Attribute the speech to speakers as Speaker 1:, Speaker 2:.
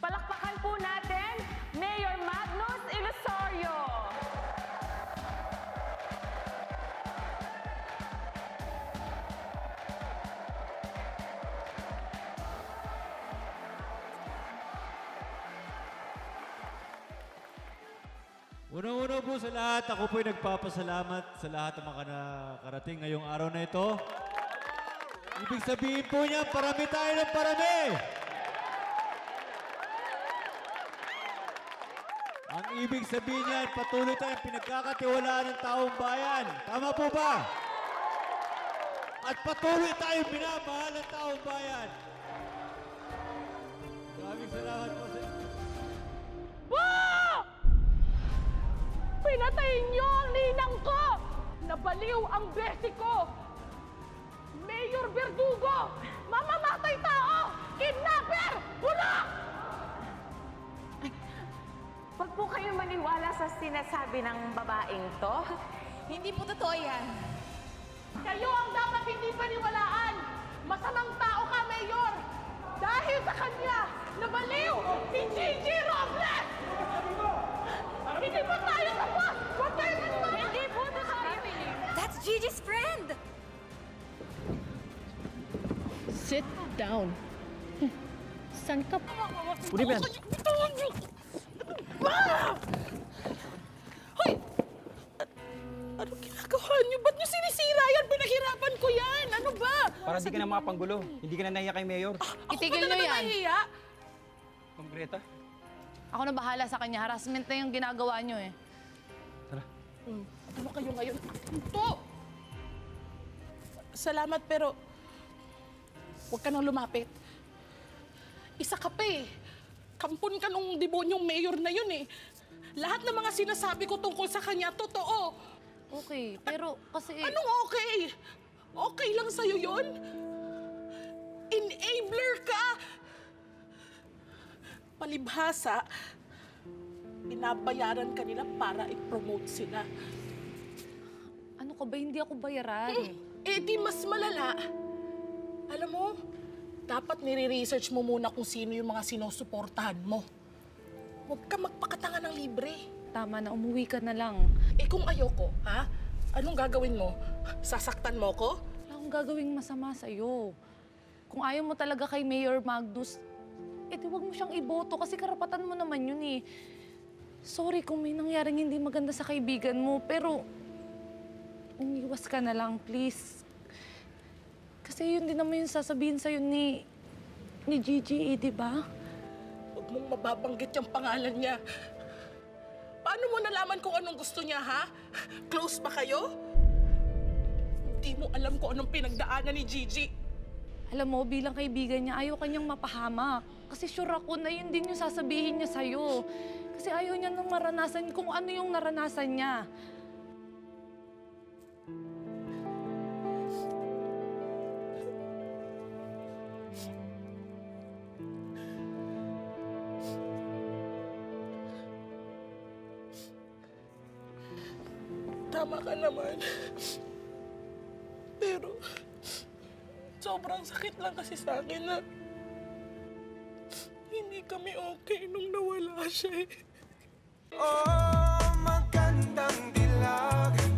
Speaker 1: Palakpakan po natin, Mayor Magnus Ilusorio.
Speaker 2: Unang-una po sa lahat, ako po'y nagpapasalamat sa lahat ng mga nakarating ngayong araw na ito. Ibig sabihin po niya, parami tayo ng parami! Ang ibig sabihin niya, patuloy tayong pinagkakatiwalaan ng taong bayan. Tama po ba? At patuloy tayong minamahal ng taong bayan. Maraming salamat po sa inyo.
Speaker 1: Pinatay niyo ang ninang ko! Nabaliw ang besi ko! Mayor Verdugo! Mamamatay tao! Kidnapper! Bulak!
Speaker 3: Huwag po kayo maniwala sa sinasabi ng babaeng to. Hindi po totoo yan.
Speaker 1: Kayo ang dapat hindi paniwalaan! Masamang tao ka, Mayor! Dahil sa kanya, nabaliw si Gigi Robles! Hindi po tayo tapos! Huwag tayo maniwala! Hindi po totoo yan!
Speaker 3: That's Gigi's friend!
Speaker 4: Sit down. San ka pa?
Speaker 5: Uli ba yan?
Speaker 4: Bitawan niyo! Hoy! Ano ginagawa niyo? Ba't niyo sinisira yan? Pinaghirapan ko yan! Ano ba?
Speaker 5: Para di ka na makapanggulo. Hindi ka na nahiya kay Mayor.
Speaker 4: Itigil niyo yan. Nahiya?
Speaker 5: Ma'am Greta,
Speaker 6: Ako na bahala sa kanya. Harassment na yung ginagawa nyo eh.
Speaker 5: tara.
Speaker 4: Ano kayo ngayon? Ito! Salamat pero huwag ka nang lumapit. Isa ka pa eh. Kampon ka nung debonyong mayor na yun eh. Lahat ng mga sinasabi ko tungkol sa kanya, totoo.
Speaker 6: Okay, pero kasi...
Speaker 4: Anong okay? Okay lang sa'yo yun? Enabler ka! Palibhasa, binabayaran ka nila para i-promote sila.
Speaker 6: Ano ka ba? Hindi ako bayaran.
Speaker 4: Eh di mas malala. Alam mo, dapat nire-research mo muna kung sino yung mga sinusuportahan mo. Huwag ka magpakatanga ng libre.
Speaker 6: Tama na, umuwi ka na lang.
Speaker 4: Eh kung ayoko, ha? Anong gagawin mo? Sasaktan mo ko?
Speaker 6: Wala akong gagawing masama sa'yo. Kung ayaw mo talaga kay Mayor Magnus, eh di wag mo siyang iboto kasi karapatan mo naman yun eh. Sorry kung may nangyaring hindi maganda sa kaibigan mo, pero umiwas ka na lang, please. Kasi yun din naman yung sasabihin sa'yo ni Gigi, eh, di ba?
Speaker 4: Huwag mong mababanggit yung pangalan niya. Paano mo nalaman kung anong gusto niya, ha? Close pa kayo? Hindi mo alam kung anong pinagdaanan ni Gigi.
Speaker 6: Alam mo, bilang kaibigan niya, ayaw kanyang mapahamak. Kasi sure ako na yun din yung sasabihin niya sa'yo. Kasi ayaw niya nang maranasan kung ano yung naranasan niya.
Speaker 4: Tama ka naman. Pero, sobrang sakit lang kasi sa akin na hindi kami okay nung nawala siya eh.
Speaker 7: Oh, magandang dilag.